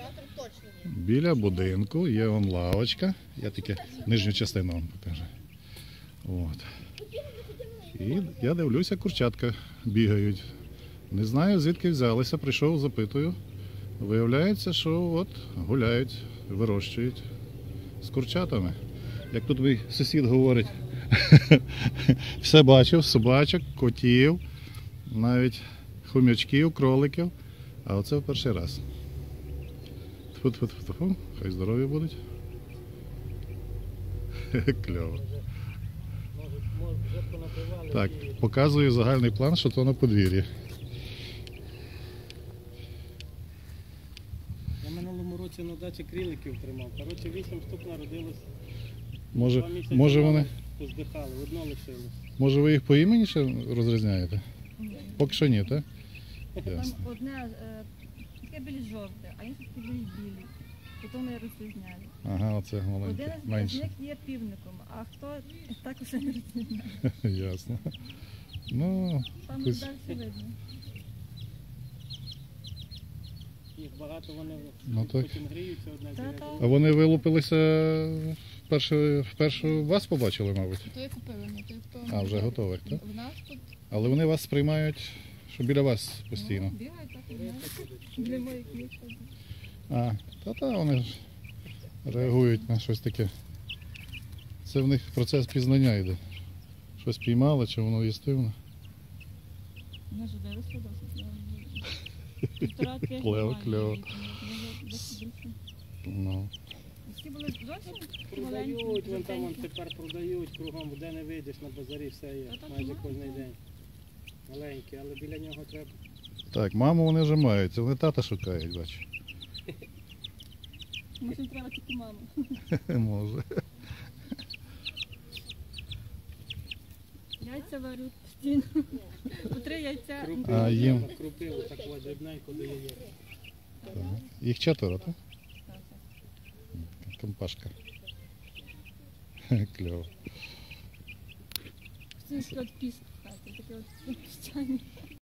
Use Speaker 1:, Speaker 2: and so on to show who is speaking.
Speaker 1: Біля будинку є вон лавочка. Я тільки нижню частину вам покажу. От. І я дивлюся, курчатка бігають. Не знаю, звідки взялися, прийшов, запитую. Виявляється, що от гуляють, вирощують з курчатами. Як тут мій сусід говорить, все бачив, собачок, котів, навіть хомячків, кроликів. А оце в перший раз. Тьфу-тьфу-тьфу-тьфу, хай здорові будуть. Кльово. Так, показую загальний план, що то на подвір'ї.
Speaker 2: Я минулому році на дачі криликів тримав. Коротше, 8 штук народилось.
Speaker 1: Може вони...
Speaker 2: Поздихали, одно лишилось.
Speaker 1: Може ви їх по імені ще розрізняєте?
Speaker 3: Ні.
Speaker 1: Поки що ні, так?
Speaker 3: Там
Speaker 1: Ясно.
Speaker 3: одне таке більш жовте, а інше таке більш білі. Потім я розрізняю.
Speaker 1: Ага, оце маленьке,
Speaker 3: Один з
Speaker 1: менше.
Speaker 3: них є півником, а хто також не розрізняє.
Speaker 1: Ясно. Ну,
Speaker 3: Там
Speaker 1: Хтось-
Speaker 3: далі видно.
Speaker 2: Їх багато, вони
Speaker 1: Ну, так.
Speaker 2: потім гріються одне
Speaker 3: Та-та.
Speaker 2: біля
Speaker 1: а
Speaker 2: другого.
Speaker 1: вони вилупилися вперше вас побачили, мабуть?
Speaker 4: То я купила, не той, хто...
Speaker 1: А, вже готових, так?
Speaker 4: В нас тут
Speaker 1: Але вони вас сприймають, що біля вас постійно.
Speaker 4: бігають так і знають.
Speaker 3: Для моїх є.
Speaker 1: А, та вони ж реагують на щось таке. Це в них процес пізнання йде. Щось піймали, чи воно їстивне.
Speaker 3: Я ж виросла досить. Півтора тижня
Speaker 1: Клево,
Speaker 3: маю
Speaker 1: клево.
Speaker 3: її, може, десь більше.
Speaker 1: Ну.
Speaker 3: Всі були зовсім
Speaker 2: Продають,
Speaker 3: маленькі,
Speaker 2: вон там вон
Speaker 3: жовтенькі.
Speaker 2: тепер продають кругом, де не вийдеш на базарі, все є,
Speaker 3: Та так
Speaker 2: майже
Speaker 3: мало,
Speaker 2: кожен
Speaker 3: так.
Speaker 2: день. Маленькі, але біля нього треба.
Speaker 1: Так, маму вони вже мають, це вони тата шукають, бачу.
Speaker 3: Може, треба тільки маму.
Speaker 1: Може.
Speaker 3: Яйця варю постійно. По 3 яйця.
Speaker 2: Крупиву,
Speaker 1: А, їм?
Speaker 2: треба, крупиву, так ось дрібненько до яєць.
Speaker 1: Їх 4, так?
Speaker 3: Так, так.
Speaker 1: Компашка. Кльово.
Speaker 3: Це от піст в хаті, таке от піщані.